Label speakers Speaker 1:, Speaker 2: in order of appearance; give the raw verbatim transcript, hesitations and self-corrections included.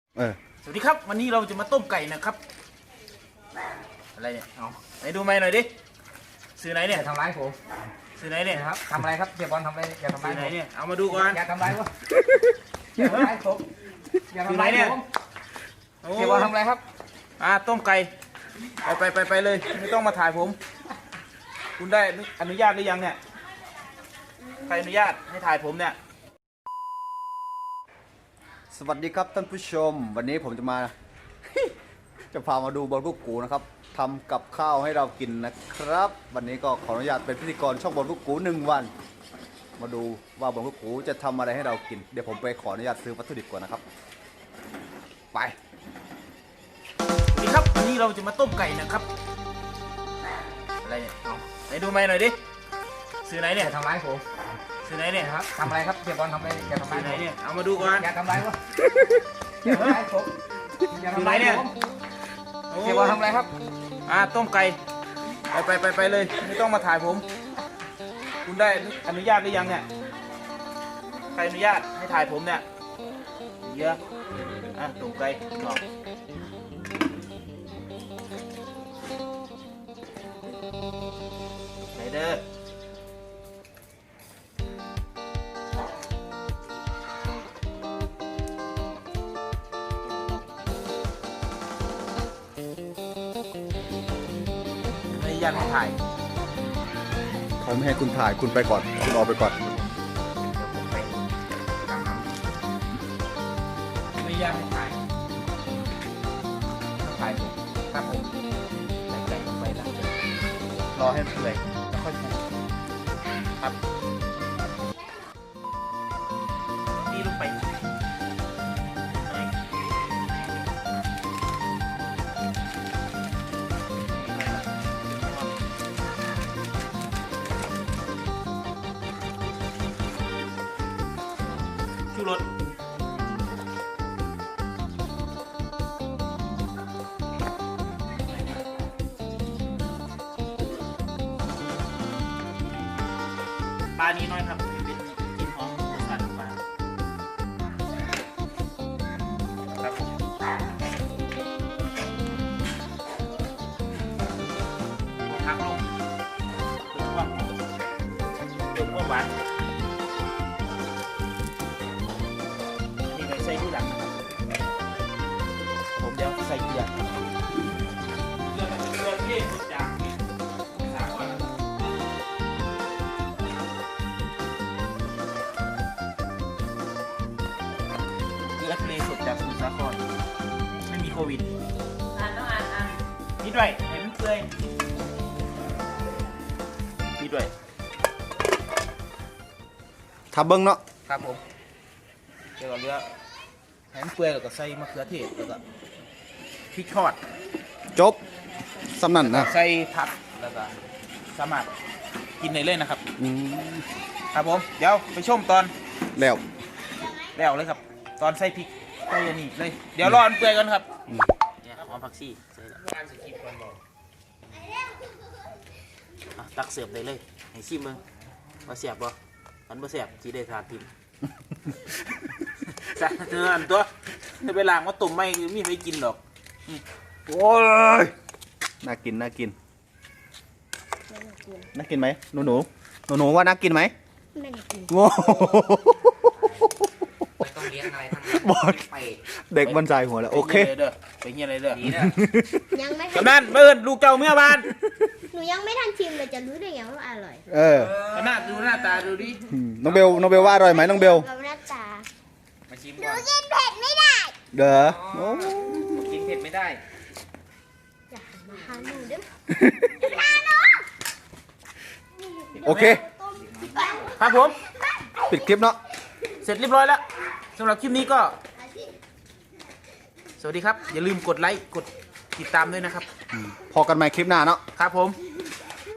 Speaker 1: เออ
Speaker 2: สวัสดีครับวันนี้เราจะมาต้มไก่นะครับอะไรเนี่ยเอาไหนดูไหมหน่อยดิซื้อไหนเนี่ย
Speaker 3: อย่าทำร้ายผม
Speaker 2: ซื้อไหนเนี่ย
Speaker 3: นะครับทำอะไรครับเสียบอลทำอะไรอย่าทำร้า
Speaker 2: ซื้
Speaker 3: ย
Speaker 2: อไหน
Speaker 3: ผม
Speaker 2: เนี่ยเอามาดูก่อน
Speaker 3: อย่าทำร้ายผมอย่าทำร้ายผมอย่าทำร้ายผม
Speaker 2: โอ้
Speaker 3: เสียบอลทำอะไรครับ
Speaker 2: อ่าต้มไก่ไปไปไปไปเลยไม่ต้องมาถ่ายผม คุณได้อนุญาตหรือยังเนี่ยใครอนุญาตให้ถ่ายผมเนี่ย
Speaker 1: สวัสดีครับท่านผู้ชม วันนี้ผมจะมา จะพามาดูบอลกุ๊กกูนะครับทำกับข้าวให้เรากินนะครับ วันนี้ก็ขออนุญาตเป็นพิธีกรช่องบอลกุ๊กกูหนึ่งวัน มาดูว่าบอลกุ๊กกูจะทำอะไรให้เรากินเดี๋ยวผมไปขออนุญาตซื้อวัตถุดิบก่อนนะครับไป
Speaker 2: สวัสดีครับวันนี้เราจะมาต้มไก่นะครับอะไรเนี่ยเอาไหนดูไหมหน่อยดิซื้อไหน
Speaker 3: อ
Speaker 2: เนี่ย
Speaker 3: ย่าทำร้ายผม
Speaker 2: ซื้อไหนเนี่ย
Speaker 3: นะครับทำอะไรครับเสียบอลทำอะไรอย่าทำร้า
Speaker 2: ซื้
Speaker 3: ย
Speaker 2: อไหน
Speaker 3: ผม
Speaker 2: เนี่ยเอามาดูก่อน
Speaker 3: อย่าทำร้ายผมอย่าทำร้ายผมอย่าทำร้ายผม
Speaker 2: โอ้
Speaker 3: เสียบอลทำอะไรครับ
Speaker 2: อ่าต้มไก่ไปไปไปไปเลยไม่ต้องมาถ่ายผม คุณได้อนุญาตหรือยังเนี่ยใครอนุญาตให้ถ่ายผมเนี่ยเยอะอ่ะต้มไก่ลองไหนเด้อไม่อนุญาตให้ถ่าย
Speaker 1: เขาไม่ให้คุณถ่ายคุณไปก่อนคุณออกไปก่อน
Speaker 2: ไม่ยากให้ถ่ายต้องถ่ายผมครับผมใส่ไก่ลงไปแล้วรอให้เปื่อยแล้วค่อยปรุงครับนี่ลงไปชูรสปลานี้น้อยครับเป็นกลิ่นหอมของสัตว์ปลาครับผมพักลงเพิ่มความเพิ่มความหวานนี่ไงใส่ที่หลังผมเดี๋ยวใส่เกลือเกลือเกลือที่มาจากสามวัน เกลือทะเลสดจากสมุทรสาครไม่มีโควิดอ่านต้องอ่านอ่านนิดด้วยเห็นมันเปื่อยนิดด้วย
Speaker 1: ทับเบิ้งเนาะ
Speaker 2: ครับผมเดี๋ยวเราเลือกเห็นมันเปื่อยแล้วก็ใส่มะเขือเทศแล้วก็พริกทอด
Speaker 1: จบสำนันนะ
Speaker 2: ใส่ผักแล้วก็สามารถกินได้เลยนะครับ
Speaker 1: อืม
Speaker 2: ครับผมเดี๋ยวไปชมตอน
Speaker 1: แล้ว
Speaker 2: แล้วเลยครับ ตอนใส่พริกใส่อันนี้เลยเดี๋ยวรอมันเปื่อยกันครับเนี่ยหอมผักชีใส่แล้วอ่ะตักเสิร์ฟได้เลยให้ชิมมึงว่าเสียบบ่มันบ่เสียบจีได้ทานทิม ใช่เนื้ออันตัวถ้าไปล้างมาตุ่มไม่มีไม่กินหรอก
Speaker 1: โอ้ยน่ากินน่ากินน่ากินไหมหนูหนูหนูหนูว่าน่ากินไหม
Speaker 4: ไม่ได้กิน
Speaker 1: โง่
Speaker 3: ไม่ต้องเลี้ยงอะไรทั้งนั้น
Speaker 1: บอด
Speaker 3: ไป
Speaker 1: เด็กบันใจหัวแล้วโอเค
Speaker 2: ไปเงี้ยเลยเด้อไปเงี้ยเลยเด้อ
Speaker 3: ดีนะ
Speaker 4: ยังไม่ทั
Speaker 2: กำนันเบิ่นลูกเจ้าเมื่อบ้าน
Speaker 4: หนูยังไม่ทันชิมเลยจะรู้ได้ไงว่าอร่อย
Speaker 1: เออ
Speaker 2: หน้าดูหน้าตาดูดิ
Speaker 1: อืมน้องเบลน้องเบลว่าอร่อยไหมน้องเบล
Speaker 4: กับหน้าตา
Speaker 3: มาชิม
Speaker 4: หนู
Speaker 3: ก่อน
Speaker 4: กินเผ็ดไม่ได้
Speaker 1: เด้อโอ้
Speaker 3: กินเผ็ดไม่ได้
Speaker 4: อย่ามาหาหนูเด้อ
Speaker 1: โอเค
Speaker 2: ครับผม
Speaker 1: ปิดคลิปเนาะ
Speaker 2: เสร็จเรียบร้อยแล้วสำหรับคลิปนี้ก็ สวัสดีครับ อย่าลืมกดไลค์กดติดตามด้วยนะครับ
Speaker 1: พอกันใหม่คลิปหน้าเนาะ
Speaker 2: ครับผม